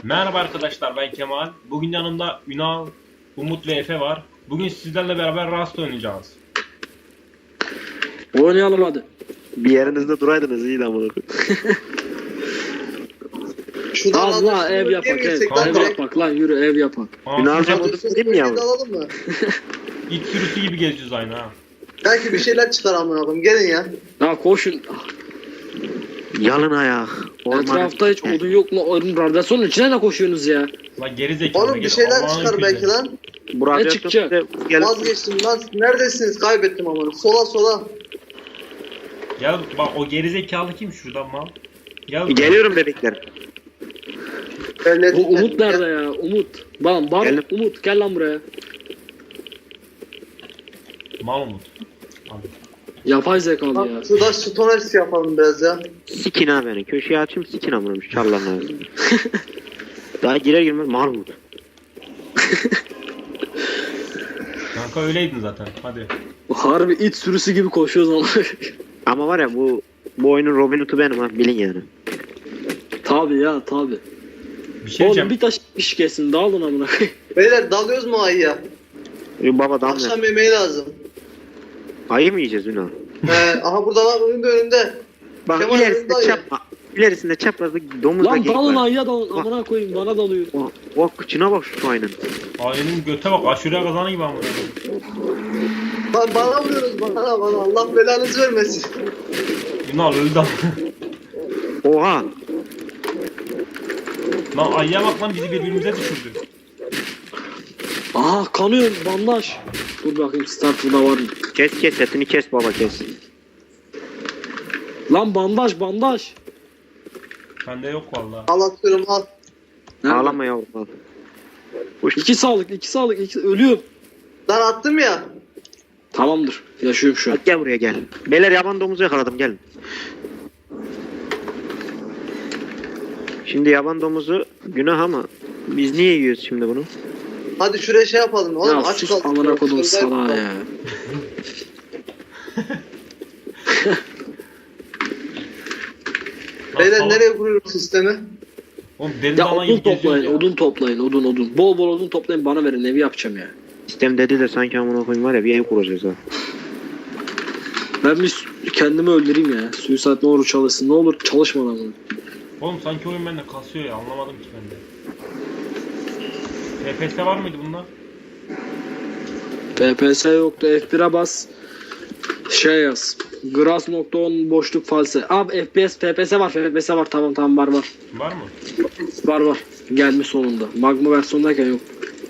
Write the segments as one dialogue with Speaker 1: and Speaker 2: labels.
Speaker 1: Merhaba arkadaşlar, ben Kemal. Bugün yanımda Ünal, Umut ve Efe var. Bugün sizlerle beraber Rust oynayacağız.
Speaker 2: Oynayalım hadi.
Speaker 3: Bir yerinizde duraydınız iyiydi amına koyayım.
Speaker 4: Şuradan
Speaker 2: Allah ev yapak ev.
Speaker 1: Kanka.
Speaker 2: Ev yapak lan yürü ev yapak.
Speaker 3: Ünal'cım
Speaker 4: Hadi
Speaker 3: odun değil mi yavrum?
Speaker 4: alalım mı?
Speaker 1: İlk sürüsü gibi gezeceğiz aynı ha.
Speaker 4: Belki bir şeyler çıkar amına koyayım. Gelin ya.
Speaker 2: Ya koşun.
Speaker 3: Yalın ayak.
Speaker 2: Etrafta hiç odun yok mu? Oğlum radyasyonun içine ne koşuyorsunuz ya?
Speaker 1: Lan geri zekalı.
Speaker 4: Oğlum bir şeyler çıkar belki lan.
Speaker 3: Burada
Speaker 2: çıkacak?
Speaker 4: Vazgeçtim lan. Neredesiniz? Kaybettim amına. Sola sola.
Speaker 1: Gel bak, o geri zekalı kim şuradan mal? Gel.
Speaker 3: Geliyorum bebekler.
Speaker 4: Öyle
Speaker 2: Bu Umut nerede ya? Umut. Bana
Speaker 3: Geldim.
Speaker 2: Umut gel lan buraya.
Speaker 1: Mal Umut. Hadi.
Speaker 2: Yapay zekalı ya.
Speaker 4: Bak şurada stones yapalım biraz ya.
Speaker 3: Sikin ha beni. Köşeye açayım sikin amına koyayım. Çarlan abi. Daha girer girmez Mahmut.
Speaker 1: Kanka öyleydin zaten. Hadi.
Speaker 2: Harbi it sürüsü gibi koşuyoruz ama.
Speaker 3: Ama var ya bu oyunun Robin Hood'u benim ha bilin yani.
Speaker 2: Tabi ya tabi.
Speaker 1: Bir şey
Speaker 2: Oğlum
Speaker 1: diyeceğim.
Speaker 2: bir taş iş kesin dağılın amına.
Speaker 4: Beyler dalıyoruz mu ayıya?
Speaker 3: Baba damla.
Speaker 4: Akşam yemeği lazım.
Speaker 3: Ayı mı yiyeceğiz Ünal?
Speaker 4: Aha burada var önünde.
Speaker 3: Bak
Speaker 4: Kemal
Speaker 3: ilerisinde
Speaker 4: ayı.
Speaker 3: çapma. İlerisinde çaprazda domuz da
Speaker 2: Lan
Speaker 3: geyik
Speaker 2: dalın
Speaker 3: var.
Speaker 2: ayıya dalın amına koyayım bana dalıyor.
Speaker 3: O kıçına bak şu ayının.
Speaker 1: Ayının göte bak, aşure kazanı gibi ama.
Speaker 4: Bana vuruyoruz bana. Allah belanızı vermesin.
Speaker 1: Ünal öldü ama.
Speaker 3: Oha.
Speaker 1: Lan ayıya bak lan, bizi birbirimize düşürdü.
Speaker 2: Aa kanıyorum bandaj. Dur bakayım start burada var mı?
Speaker 3: Kes etini kes baba kes.
Speaker 2: Lan bandaj.
Speaker 1: Bende yok vallahi.
Speaker 4: Al atıyorum al.
Speaker 2: Nerede?
Speaker 3: Ağlama yavrum al.
Speaker 2: İki sağlık. Ölüyorum.
Speaker 4: Lan attım ya.
Speaker 2: Tamamdır. Yaşıyorum şu an.
Speaker 3: Hadi gel buraya gel. Beyler yaban domuzu yakaladım gelin. Şimdi yaban domuzu günah ama biz niye yiyoruz şimdi bunu?
Speaker 4: Hadi şuraya şey yapalım. Oğlum
Speaker 2: Ya
Speaker 4: aç
Speaker 2: sus
Speaker 4: kaldık.
Speaker 2: amına kodum
Speaker 4: Şurada
Speaker 2: sana
Speaker 4: yapalım.
Speaker 2: ya.
Speaker 4: Beyler
Speaker 1: Lan,
Speaker 4: nereye kuruyoruz sistemi?
Speaker 1: Oğlum deniz
Speaker 2: Ya
Speaker 1: ana
Speaker 2: odun
Speaker 1: gibi geziyoruz
Speaker 2: toplayın,
Speaker 1: ya.
Speaker 2: odun. Bol bol odun toplayın bana verin evi yapacağım ya.
Speaker 3: Sistem dedi de sanki amına koyayım var ya bir ev kuracağız ha.
Speaker 2: Ben bir kendimi öldüreyim ya. Suicide ne olur çalışsın. Ne olur çalışma lan bunu.
Speaker 1: Oğlum sanki oyun bende kasıyor ya, anlamadım ki ben de. TPS var mıydı bunlar?
Speaker 2: PPS yoktu. F1'e bas. Şey yaz. Grass.10 boşluk false. Abi FPS, PPS var. Tamam var.
Speaker 1: Var mı?
Speaker 2: Var. Gelmiş sonunda. Magma versiyondayken yok.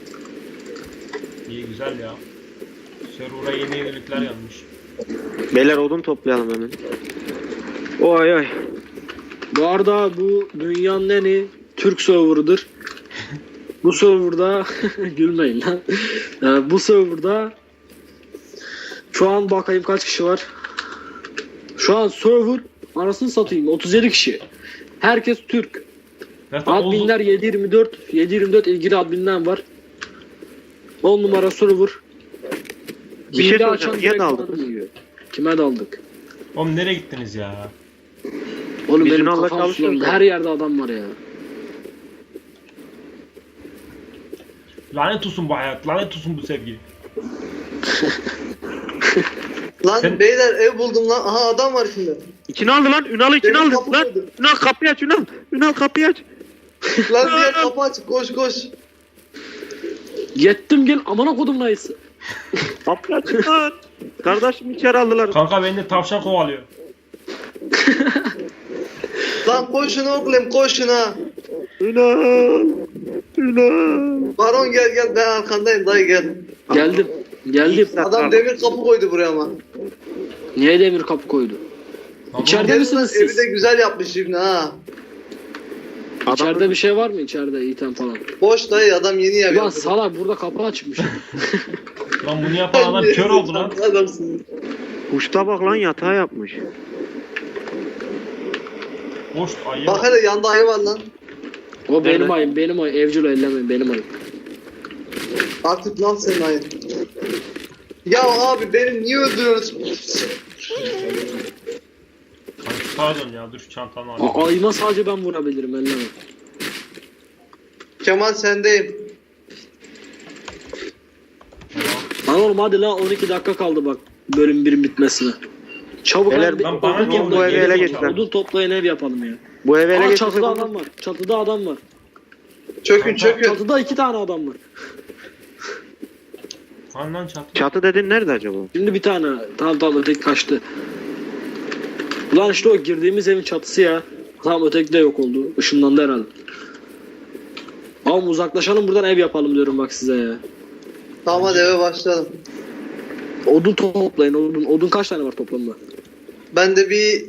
Speaker 1: İyi, güzel ya. Server'a yeni yenilikler gelmiş.
Speaker 3: Beyler odun toplayalım hemen. Oy.
Speaker 2: Bu arada bu dünyanın en iyi Türk serverıdır. Bu serverda gülmeyin lan. Bu serverda şu an bakayım kaç kişi var. Şu an server arasını satayım 37 kişi. Herkes Türk.
Speaker 1: Zaten
Speaker 2: Adminler 7/24 ilgili adminler var. 10 numara server.
Speaker 3: Bir şey
Speaker 2: Hile
Speaker 3: soracağım,
Speaker 2: açan
Speaker 3: niye
Speaker 2: direkt
Speaker 3: daldınız?
Speaker 2: bana yiyor. Kime daldık?
Speaker 1: Oğlum nereye gittiniz ya?
Speaker 2: Oğlum
Speaker 3: Biz
Speaker 2: benim
Speaker 3: Ünal'la
Speaker 2: kafam
Speaker 3: çalışıyoruz
Speaker 2: sulandı.
Speaker 3: ya.
Speaker 2: Her yerde adam var ya.
Speaker 1: Lanet olsun bu hayat, lanet olsun bu sevgi.
Speaker 4: Lan
Speaker 1: Sen-
Speaker 4: beyler ev buldum lan. Aha adam var şimdi.
Speaker 3: İçine aldı lan. Ünal'ı içine
Speaker 4: Benim
Speaker 3: aldı
Speaker 4: kapı
Speaker 3: lan.
Speaker 4: koydu.
Speaker 3: Ünal kapıyı aç Ünal. Ünal kapıyı aç.
Speaker 4: Lan diğer kapı aç. Koş.
Speaker 2: Yettim gel amına kodum nayısı.
Speaker 3: Kapıyı aç Ünal. Kardeşim içeri aldılar.
Speaker 1: Kanka beni de tavşan kovalıyor.
Speaker 4: Lan koşun oğlum koşun ha.
Speaker 3: Ünal.
Speaker 4: Baron gel ben arkandayım dayı gel.
Speaker 2: Geldim.
Speaker 4: Adam demir kapı koydu buraya ama.
Speaker 2: Niye demir kapı koydu?
Speaker 1: Lan
Speaker 2: İçeride
Speaker 1: oğlum,
Speaker 2: misiniz
Speaker 4: Evi
Speaker 2: siz?
Speaker 4: de güzel yapmış şimdi ha.
Speaker 2: İçeride bir şey var mı içeride item falan?
Speaker 4: Boş dayı adam yeni ev
Speaker 2: Ulan
Speaker 4: yapıyor.
Speaker 2: salak burada kapı açmış.
Speaker 1: Lan bunu yapan adam kör oldu lan.
Speaker 4: Adamsın.
Speaker 3: Kuşta bak lan yatağı yapmış.
Speaker 1: Boş ayı.
Speaker 4: Bak hele yanda ayı var lan.
Speaker 2: O benim
Speaker 3: Nerede?
Speaker 2: ayım. Evcil ellemeyin benim ayım.
Speaker 4: Artık lan senin ayın. Ya abi beni niye öldürüyorsun?
Speaker 1: Pardon ya, dur şu çantamı alayım.
Speaker 2: Ayıma sadece ben vurabilirim elleme.
Speaker 4: Kemal sendeyim.
Speaker 2: Lan oğlum hadi lan 12 dakika kaldı bak bölüm 1'in bitmesine. Çabuk
Speaker 3: Beyler,
Speaker 2: lan,
Speaker 1: lan bana
Speaker 2: odun
Speaker 1: niye
Speaker 2: toplayın,
Speaker 3: bu eve ele geçtiler?
Speaker 2: odun toplayın ev yapalım ya.
Speaker 3: Bu eve ele
Speaker 2: Aa,
Speaker 3: geçirse
Speaker 2: çatıda
Speaker 3: bunu-
Speaker 2: adam var. Çatıda adam var.
Speaker 4: Çökün çökün.
Speaker 2: Çatıda 2 tane adam var.
Speaker 1: Lan çatı.
Speaker 3: Çatı dedin nerede acaba?
Speaker 2: Şimdi bir tane. Tamam öteki kaçtı. Ulan işte o girdiğimiz evin çatısı ya. Tamam öteki de yok oldu. Işınlandı herhalde. Ama uzaklaşalım buradan ev yapalım diyorum bak size ya.
Speaker 4: Tamam hadi eve başlayalım.
Speaker 2: Odun toplayın odun. Odun kaç tane var toplamda?
Speaker 4: Bende bir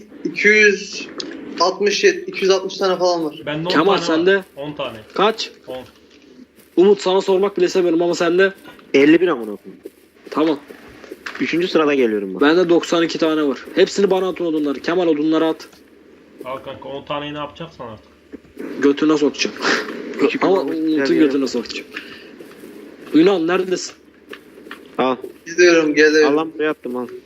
Speaker 4: 260 tane falan var.
Speaker 1: Bende 10
Speaker 2: Kemal,
Speaker 1: tane
Speaker 2: sende?
Speaker 1: var. 10 tane.
Speaker 2: Kaç?
Speaker 1: 10.
Speaker 2: Umut sana sormak bile istemiyorum ama sende?
Speaker 3: 51 amına koyayım.
Speaker 2: Tamam.
Speaker 3: 3. sırada geliyorum bak.
Speaker 2: Bende 92 tane var. Hepsini bana atın odunları. Kemal odunları at.
Speaker 1: Al kanka 10 taneyi ne yapacaksan artık.
Speaker 2: Götüne sokacağım.
Speaker 3: Küçük
Speaker 2: Ama
Speaker 3: olmuş,
Speaker 2: Umut'un
Speaker 3: güzel
Speaker 2: götüne sokacağım. Ünal neredesin?
Speaker 3: Al.
Speaker 4: Gidiyorum geliyorum.
Speaker 3: Al lan buraya attım al.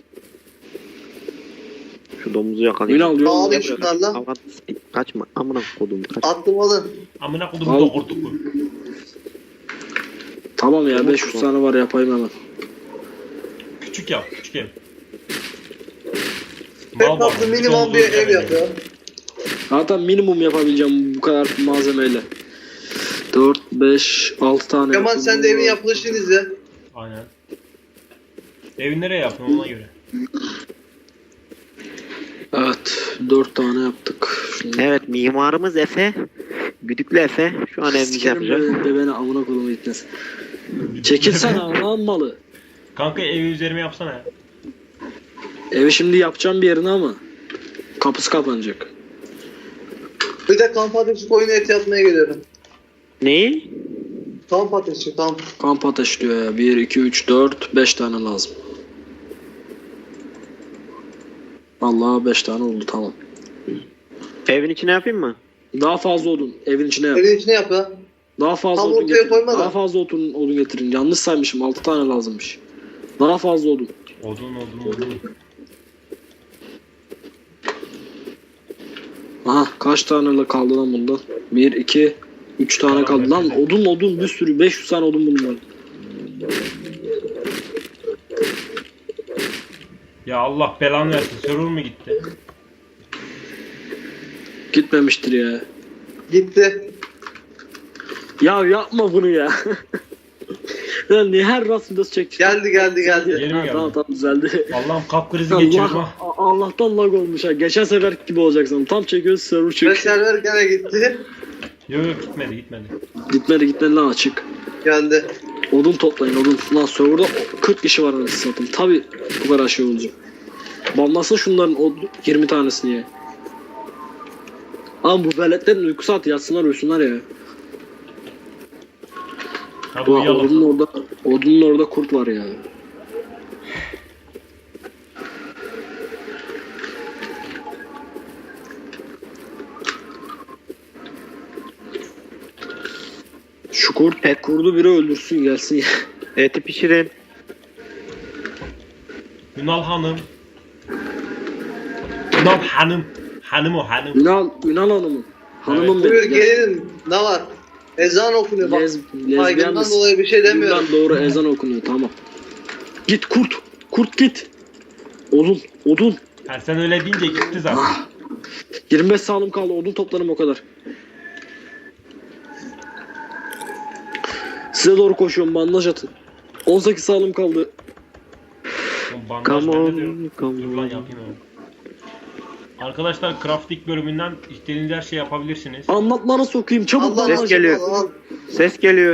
Speaker 3: Şu domuzu yakalayayım.
Speaker 2: Ünal diyor.
Speaker 4: Ağlayın şunlarla.
Speaker 3: Avat, kaçma amına kodum kaç.
Speaker 4: Attım alın.
Speaker 1: Amına kodum
Speaker 2: Al.
Speaker 1: doğurtuk bu.
Speaker 2: Tamam ya
Speaker 3: Umut
Speaker 2: 500
Speaker 3: mu?
Speaker 2: tane var yapayım hemen.
Speaker 1: Küçük yap, küçük ev.
Speaker 4: Tek
Speaker 1: Mal
Speaker 4: katlı
Speaker 1: var,
Speaker 4: minimum
Speaker 1: domuz
Speaker 4: bir ev
Speaker 1: öldüremedi.
Speaker 4: yap ya.
Speaker 2: Zaten minimum yapabileceğim bu kadar malzemeyle. 4, 5, 6 tane.
Speaker 4: Kemal sen de evin yapılışını izle.
Speaker 1: Aynen. Evi nereye yaptın ona göre.
Speaker 2: Evet 4 tane yaptık. Şimdi
Speaker 3: Evet mimarımız Efe. Güdüklü Efe. Şu an evimizi
Speaker 2: sikerim
Speaker 3: yapacak.
Speaker 2: beni amına kolumu gitmesin. Çekilsene lan malı.
Speaker 1: Kanka evi üzerime yapsana ya.
Speaker 2: Evi şimdi yapacağım bir yerine ama kapısı kapanacak.
Speaker 4: Bir de kamp ateşi koyun eti yapmaya geliyorum.
Speaker 3: Neyi?
Speaker 4: Kamp ateşi kamp.
Speaker 2: Kamp ateş diyor ya. 1, 2, 3, 4, 5 tane lazım. Vallahi 5 tane oldu tamam.
Speaker 3: Evin içine yapayım mı?
Speaker 2: Daha fazla odun evin içine yap.
Speaker 4: Evin içine yap ya.
Speaker 2: Daha fazla
Speaker 4: Tam
Speaker 2: odun
Speaker 4: ortaya
Speaker 2: getirin.
Speaker 4: koyma da.
Speaker 2: Daha fazla odun getirin. Yanlış saymışım. 6 tane lazımmış. Daha fazla odun.
Speaker 1: Odun.
Speaker 2: Aha kaç tane kaldı lan bundan? 1, 2, 3 tane kaldı. Lan odun bir sürü. 500 tane odun bunun var.
Speaker 1: Ya Allah belanı versin. Server mu gitti?
Speaker 2: Gitmemiştir ya.
Speaker 4: Gitti.
Speaker 2: Ya yapma bunu ya. Lan niye her rast videosu çekeceğim?
Speaker 4: Geldi.
Speaker 1: Geri mi
Speaker 2: Ha,
Speaker 1: geldi?
Speaker 2: tamam düzeldi.
Speaker 1: Allah'ım kalp krizi geçirdim
Speaker 2: Allah,
Speaker 1: ha.
Speaker 2: Allah'tan lag olmuş ha. Geçen sefer gibi olacaksın. Tam çekiyoruz server
Speaker 4: Ve
Speaker 2: çık.
Speaker 4: server gene gitti.
Speaker 1: Yok gitmedi.
Speaker 2: Gitmedi lan açık.
Speaker 4: Geldi.
Speaker 2: Odun toplayın odun. Lan serverda 40 kişi var anasını satayım. Tabi bu kadar şey olacak. Banlasın şunların 20 tanesini ya. Ama bu veletlerin uyku saati yatsınlar uyusunlar ya.
Speaker 1: Hadi
Speaker 2: Ulan
Speaker 1: uyuyalım.
Speaker 2: odunun orada kurt var ya. Şu kurdu biri öldürsün gelsin ya.
Speaker 3: Eti pişirin.
Speaker 1: Ünal Hanım. Ünal Hanım. Hanım o hanım.
Speaker 2: Ünal hanımın. Hanımın
Speaker 4: Buyur
Speaker 2: benim.
Speaker 4: gelin. Ne var? Ezan okunuyor bak.
Speaker 2: Lezbiyen
Speaker 4: Saygından
Speaker 2: misin?
Speaker 4: dolayı bir şey demiyorum.
Speaker 2: Bundan doğru ezan okunuyor tamam. Git kurt. Kurt git. Odun.
Speaker 1: Ha, sen öyle deyince gitti zaten.
Speaker 2: 25 sağlım kaldı. Odun toplarım o kadar. Size doğru koşuyorum. Bandaj atın. 18 sağlım kaldı.
Speaker 1: Oğlum bandaj
Speaker 3: Come
Speaker 1: bende de yok.
Speaker 3: on, come
Speaker 1: Dur lan
Speaker 3: on.
Speaker 1: yapayım onu. Arkadaşlar crafting bölümünden istediğiniz her şeyi yapabilirsiniz.
Speaker 2: Anlatmana sokayım. Çabuk
Speaker 4: Allah
Speaker 2: bandaj.
Speaker 3: Ses geliyor.
Speaker 4: Allah.
Speaker 3: Ses geliyor.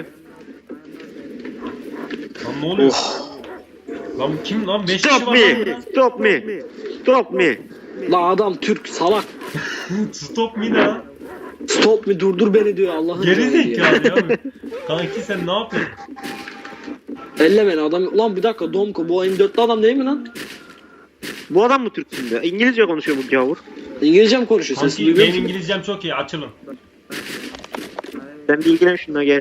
Speaker 1: Lan ne oluyor?
Speaker 2: Oh.
Speaker 1: Lan kim lan? 5 kişi
Speaker 3: Stop
Speaker 1: var lan
Speaker 3: me.
Speaker 1: burada.
Speaker 3: Stop me. Stop me.
Speaker 2: La adam Türk salak.
Speaker 1: Stop me ne lan?
Speaker 2: Stop me durdur beni diyor Allah'ın
Speaker 1: Geri
Speaker 2: cahili ya.
Speaker 1: zekalı ya. Kanki sen ne yapıyorsun?
Speaker 2: Elle beni adam. Lan bir dakika Domko bu M4'lü adam değil mi lan?
Speaker 3: Bu adam mı Türk şimdi? İngilizce konuşuyor bu gavur.
Speaker 2: İngilizce mi konuşuyor? Sesini
Speaker 1: Kanki
Speaker 2: duyuyor
Speaker 1: benim
Speaker 2: musun?
Speaker 1: İngilizcem çok iyi. Açılın.
Speaker 3: Sen bir ilgilen şununla gel.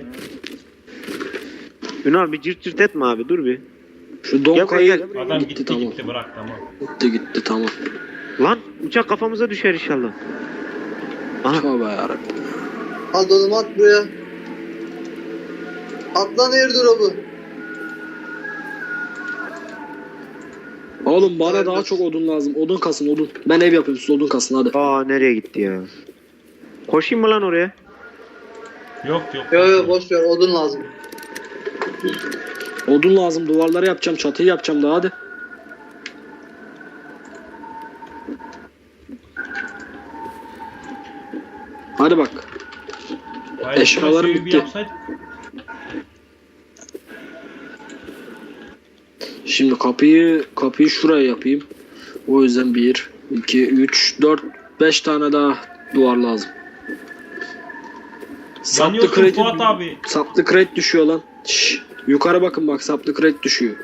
Speaker 3: Ünal bir cırt cırt etme abi dur bir.
Speaker 2: Şu Domko'yu
Speaker 3: Gel,
Speaker 1: Adam
Speaker 2: gitti,
Speaker 1: gitti
Speaker 2: tamam.
Speaker 1: gitti bırak tamam.
Speaker 2: Gitti tamam.
Speaker 3: Lan uçak kafamıza düşer inşallah. Aha
Speaker 2: Tövbe yarabbim.
Speaker 4: Hadi oğlum at buraya. Atlan airdrop'u.
Speaker 2: Oğlum bana
Speaker 4: Evet,
Speaker 2: daha
Speaker 4: evet.
Speaker 2: çok odun lazım. Odun kasın odun. Ben ev yapayım siz odun kasın hadi.
Speaker 3: Aa nereye gitti ya? Koşayım mı lan oraya?
Speaker 1: Yok yok.
Speaker 4: Yo boş ver, odun lazım.
Speaker 2: Odun lazım, duvarları yapacağım, çatıyı yapacağım daha hadi. Hadi bak.
Speaker 1: Hayır,
Speaker 2: Eşyalarım
Speaker 1: şurası bir
Speaker 2: bitti.
Speaker 1: yapsaydık.
Speaker 2: Şimdi kapıyı şuraya yapayım. O yüzden 1, 2, 3, 4, 5 tane daha duvar lazım. Saplı
Speaker 1: Yanıyorsun Fuat abi.
Speaker 2: Saplı crate düşüyor lan. Şşş, yukarı bakın bak saplı crate düşüyor.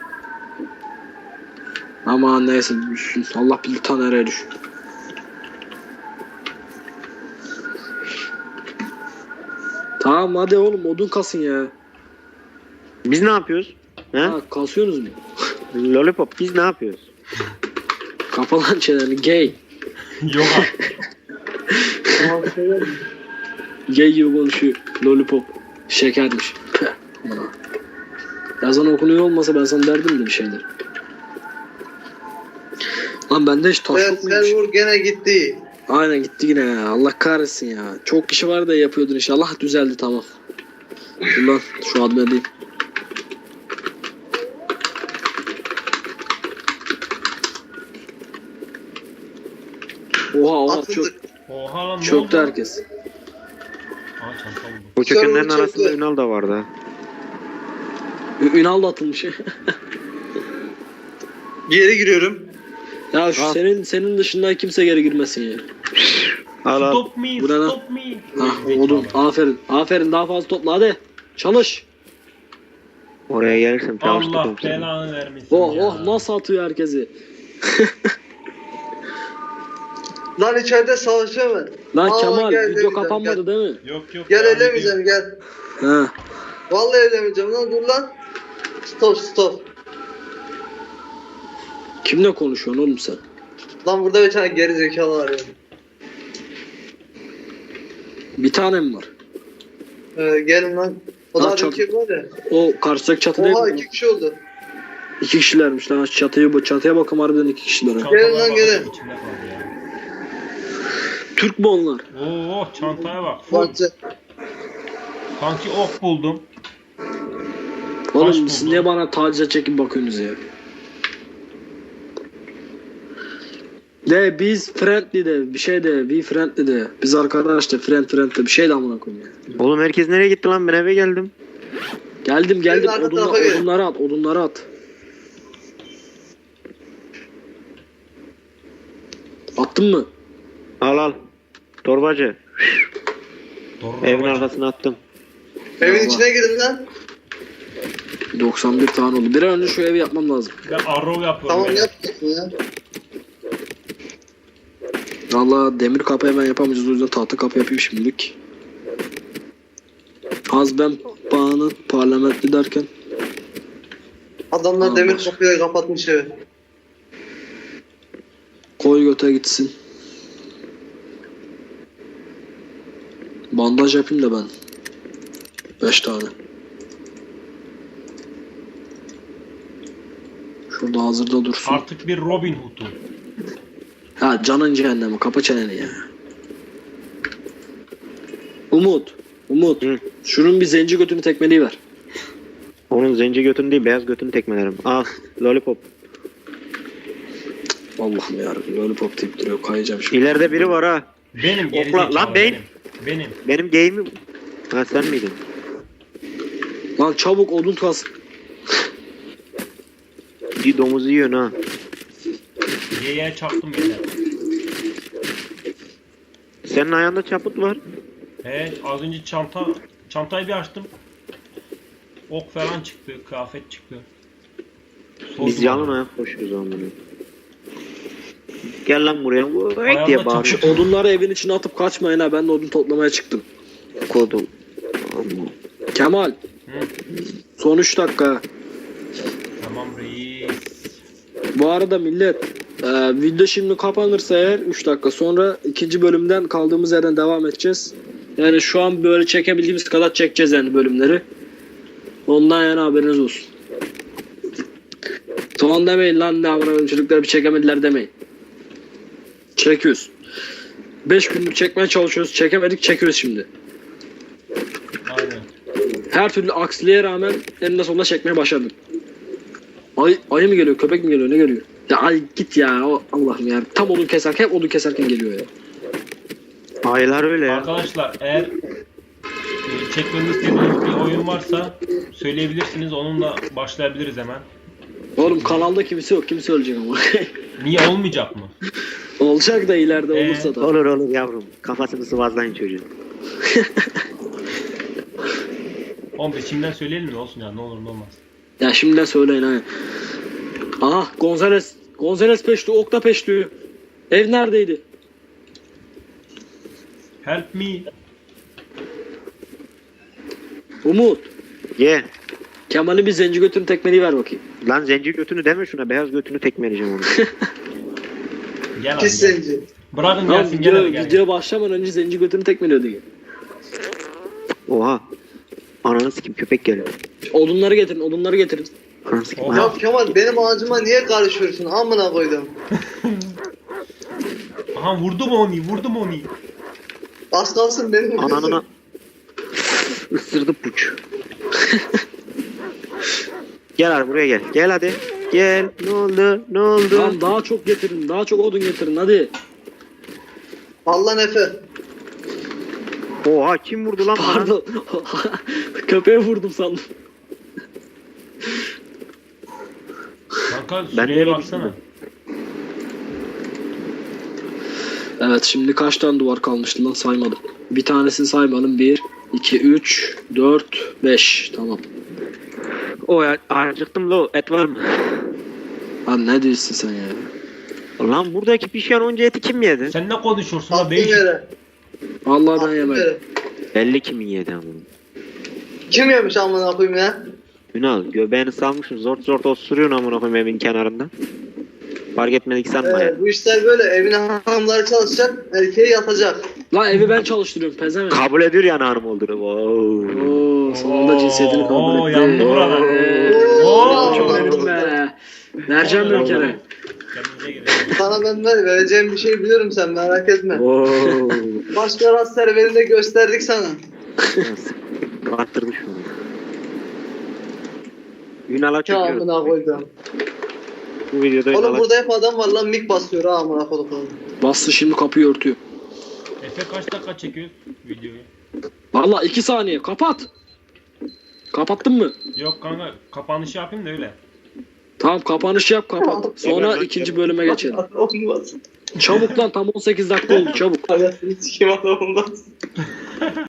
Speaker 2: Aman neyse düşsün. Allah bilir ta nereye düşüyor. Tamam hadi oğlum odun kasın ya.
Speaker 3: Biz ne yapıyoruz? He?
Speaker 2: Ha, kasıyorsunuz mu?
Speaker 3: Lollipop biz ne yapıyoruz?
Speaker 2: Kapa lan çeneni gay.
Speaker 1: Yok abi.
Speaker 2: Gay gibi konuşuyor. Lollipop. Şekermiş. Peh. Yazan okunuyor olmasa ben sana derdim de bir şeyler. Lan bende hiç taş
Speaker 4: Evet,
Speaker 2: yok muymuş?
Speaker 4: server gene gitti.
Speaker 2: Aynen gitti yine ya. Allah kahretsin ya. Çok kişi var da yapıyordun inşallah düzeldi tamam. Dur lan şu adına değil. Oha çok
Speaker 4: Atıldık.
Speaker 1: Oha lan ne
Speaker 2: çöktü
Speaker 1: oldu?
Speaker 2: herkes.
Speaker 1: Aa çanta buldum.
Speaker 3: Bu çökenlerin
Speaker 4: Server
Speaker 3: arasında
Speaker 4: çöktü.
Speaker 3: Ünal da vardı ha.
Speaker 2: Ünal da atılmış.
Speaker 4: Geri giriyorum.
Speaker 2: Ya şu
Speaker 3: Al.
Speaker 2: senin dışında kimse geri girmesin ya.
Speaker 3: Al al.
Speaker 1: Stop me,
Speaker 2: Bu ne lan?
Speaker 1: stop me.
Speaker 2: Ha odun. Aferin. Aferin daha fazla topla hadi. Çalış.
Speaker 3: Oraya gelirsem
Speaker 1: Allah
Speaker 3: çalıştırdım seni.
Speaker 1: belanı vermesin
Speaker 2: Oh
Speaker 1: ya.
Speaker 2: oh nasıl atıyor herkesi.
Speaker 4: Lan içeride savaşıyor mu?
Speaker 2: Lan
Speaker 4: Aa,
Speaker 2: Kemal
Speaker 4: gel,
Speaker 2: video
Speaker 4: gel,
Speaker 2: kapanmadı değil mi?
Speaker 1: Yok yok.
Speaker 4: Gel
Speaker 1: devam
Speaker 4: elemeyeceğim gel.
Speaker 2: Ha.
Speaker 4: Vallahi elemeyeceğim lan, dur lan. Stop.
Speaker 2: Kimle konuşuyorsun oğlum sen?
Speaker 4: Lan burada bir tane geri zekalı var ya.
Speaker 2: Bir tane mi var?
Speaker 4: Gelin lan. O
Speaker 2: Lan
Speaker 4: da
Speaker 2: çok-
Speaker 4: bir kim var ya.
Speaker 2: O karşıdaki çatı değil
Speaker 4: Oha
Speaker 2: mi?
Speaker 4: 2 kişi oldu.
Speaker 2: 2 kişilermiş lan. Çatıya bakın harbiden 2 kişiler. ha.
Speaker 1: Çantalara
Speaker 4: Gelin lan,
Speaker 1: bak,
Speaker 4: gelin.
Speaker 1: içimde kaldı ya.
Speaker 2: Türk mü onlar?
Speaker 1: Oo çantaya bak. Full.
Speaker 4: Bantı.
Speaker 1: Kanki ok buldum.
Speaker 2: Oğlum
Speaker 1: buldum.
Speaker 2: siz niye bana tacize çekip bakıyorsunuz ya? De biz friendly de bir şey de we friendly de biz arkadaş da friend de bir şey de amına koyayım ya.
Speaker 3: Oğlum herkes nereye gitti lan? Ben eve geldim.
Speaker 2: Geldim
Speaker 4: arka tarafa gelin.
Speaker 2: odunları at. Attın mı?
Speaker 3: Al al. Torbacı.
Speaker 1: Doğru.
Speaker 3: Evin
Speaker 1: babacım.
Speaker 3: arkasına attım.
Speaker 4: Evin
Speaker 2: Allah.
Speaker 4: içine girin lan.
Speaker 2: 91 tane oldu. Bir an önce şu evi yapmam lazım.
Speaker 1: Ben arrow yapıyorum.
Speaker 4: Tamam
Speaker 1: böyle.
Speaker 4: yapmasın ya.
Speaker 2: Valla demir kapı hemen yapamayacağız o yüzden tahta kapı yapayım şimdilik. Az ben bağını parlamentli derken
Speaker 4: Adamlar
Speaker 2: Tamam,
Speaker 4: demir
Speaker 2: boş.
Speaker 4: kapıyı kapatmış evi.
Speaker 2: koy göte gitsin. Bandaj yapayım da ben. 5 tane. Şurada hazırda dursun.
Speaker 1: Artık bir Robin Hood'um.
Speaker 2: Ha canın cehennemi kapa çeneni ya. Umut.
Speaker 3: Hı.
Speaker 2: Şunun bir zenci götünü tekmeliği ver.
Speaker 3: Onun zenci götünü değil beyaz götünü tekmelerim. Al. Lollipop.
Speaker 2: Allah'ım yarabbim lollipop deyip duruyor kayacağım şimdi.
Speaker 3: İleride biri var ha.
Speaker 1: Benim
Speaker 3: Okla-
Speaker 1: gerizekalı.
Speaker 3: lan beyin.
Speaker 1: Benim.
Speaker 3: Benim game'im. Ha sen miydin?
Speaker 2: Lan çabuk odun kas.
Speaker 3: Bir domuzu yiyorsun ha.
Speaker 1: Y'ye çaktım beni.
Speaker 3: Senin ayağında çaput var.
Speaker 1: He az önce çantayı bir açtım. Ok falan çıktı, kıyafet çıktı. Sordum
Speaker 3: Biz yalın
Speaker 1: ona.
Speaker 3: ayak koşuyoruz ama bunu. Gel lan buraya. Vay
Speaker 1: Ayağımda
Speaker 3: diye
Speaker 1: çaput.
Speaker 3: bağırıyor.
Speaker 2: Şu odunları evin içine atıp kaçmayın ha ben de odun toplamaya çıktım.
Speaker 3: Kodum. Amma.
Speaker 2: Kemal.
Speaker 1: Hı.
Speaker 2: Son 3 dakika.
Speaker 1: Tamam reis.
Speaker 2: Bu arada millet video şimdi kapanırsa eğer 3 dakika sonra ikinci bölümden kaldığımız yerden devam edeceğiz. Yani şu an böyle çekebildiğimiz kadar çekeceğiz yani bölümleri. Ondan yana haberiniz olsun. Tamam demeyin lan, ne amına çocuklar bir çekemediler demeyin. Çekiyoruz. 5 gündür çekmeye çalışıyoruz. Çekemedik, çekiyoruz şimdi.
Speaker 1: Aynen.
Speaker 2: Her türlü aksiliğe rağmen eninde sonunda çekmeye başardım. Ayı mı geliyor, köpek mi geliyor, ne geliyor? Ya ay git ya, Allah'ım ya. Tam odun keserken, hep odun keserken geliyor ya.
Speaker 3: Aylar öyle ya.
Speaker 1: Arkadaşlar eğer çekmemizi istediğiniz bir oyun varsa söyleyebilirsiniz. Onunla başlayabiliriz hemen.
Speaker 2: Oğlum kanalda kimse yok, kimse ölecek ama.
Speaker 1: Niye olmayacak mı?
Speaker 2: Olacak da ileride olursa da.
Speaker 3: Olur olur yavrum. Kafasını sıvazlayın çocuğun.
Speaker 1: Oğlum biz şimdiden söyleyelim mi olsun ya, ne olur ne olmaz.
Speaker 2: Ya şimdiden söyleyin ha. Aha Gonzales peşti, Okta peşti. Ev neredeydi?
Speaker 1: Help me.
Speaker 2: Umut.
Speaker 3: Ye.
Speaker 2: Kemal'in bir zenci götünü tekmeliği ver bakayım.
Speaker 3: Lan zenci götünü deme şuna. Beyaz götünü tekmeleyeceğim onu.
Speaker 1: Gel abi
Speaker 4: Pis
Speaker 1: gel.
Speaker 4: zenci.
Speaker 1: Bırakın
Speaker 2: Tamam,
Speaker 1: gelsin, gel hadi gel.
Speaker 2: video başlamadan önce zenci götünü tekmeliyordu.
Speaker 3: Oha. Ananı sikim köpek geliyor.
Speaker 2: Odunları getirin, odunları getirin.
Speaker 3: Ananı sikim.
Speaker 1: Oha.
Speaker 4: Ya Kemal benim ağacıma niye karışıyorsun? Amına koydum.
Speaker 1: Aha vurdum onu, vurdum onu.
Speaker 4: Az kalsın benim
Speaker 3: Ananına. Isırdı puç. Gel abi buraya gel. Gel hadi. Gel. Ne oldu? Ne oldu?
Speaker 2: Lan daha çok getirin, daha çok odun getirin hadi.
Speaker 4: Allah Efe.
Speaker 3: Oha kim vurdu lan bana?
Speaker 2: Pardon. Köpeğe vurdum sandım.
Speaker 1: Kanka
Speaker 3: Ben
Speaker 1: süreye
Speaker 3: nereye
Speaker 1: baksana.
Speaker 2: Evet, şimdi kaç tane duvar kalmıştı lan, saymadım. Bir tanesini saymadım. 1, 2, 3, 4, 5. Tamam.
Speaker 3: O ya acıktım lo. Et var mı?
Speaker 2: Lan ne diyorsun sen ya?
Speaker 3: Lan buradaki pişen onca eti kim yedi?
Speaker 1: Sen ne konuşuyorsun la
Speaker 4: Attım
Speaker 1: değişik.
Speaker 4: yere.
Speaker 2: Vallahi ben
Speaker 4: Attım
Speaker 2: yemedim.
Speaker 4: yere.
Speaker 3: Belli kimin yedi ama.
Speaker 4: Kim yemiş amına koyayım ya?
Speaker 3: Ünal göbeğini salmışsın zort zort osuruyorsun amına koyayım evin kenarında. Fark etmedik sanma ya.
Speaker 4: Bu işler böyle. Evine hanımları çalışacak. Erkeği yatacak.
Speaker 2: Lan evi ben çalıştırıyorum pezevenk.
Speaker 3: Kabul ediyor yani hanım olduğunu. Wow.
Speaker 2: Oo, sonunda cinsiyetini kabul
Speaker 1: Oo,
Speaker 2: etti.
Speaker 1: yandı buralar.
Speaker 4: Oo.
Speaker 2: Çok eminim be. Vereceğim bir kere.
Speaker 1: Kendinize gelin.
Speaker 4: Sana ben vereceğim bir şey biliyorum, sen merak etme.
Speaker 3: Wow.
Speaker 4: Başka rast serverinde gösterdik sana.
Speaker 3: Attırdı şunu. Ünal'a
Speaker 4: Ya
Speaker 3: çekiyorum.
Speaker 4: amına koydum.
Speaker 3: Bu videoda
Speaker 4: Oğlum
Speaker 3: Ünal'a
Speaker 4: burada hep adam var lan, mik basıyor ha amına koydum.
Speaker 2: Bastı, şimdi kapıyı örtüyor.
Speaker 1: Efe kaç dakika çekiyor videoyu?
Speaker 2: Vallahi 2 saniye kapat. Kapattın mı?
Speaker 1: Yok kanka, kapanışı yapayım da öyle.
Speaker 2: Tamam, kapanış yap, kapat. Sonra
Speaker 3: Evet,
Speaker 2: ikinci bölüme geçelim.
Speaker 4: Olmaz.
Speaker 2: Çabuk lan, tam 18 dakika oldu, çabuk.
Speaker 4: Hayatını sikim adam olmaz.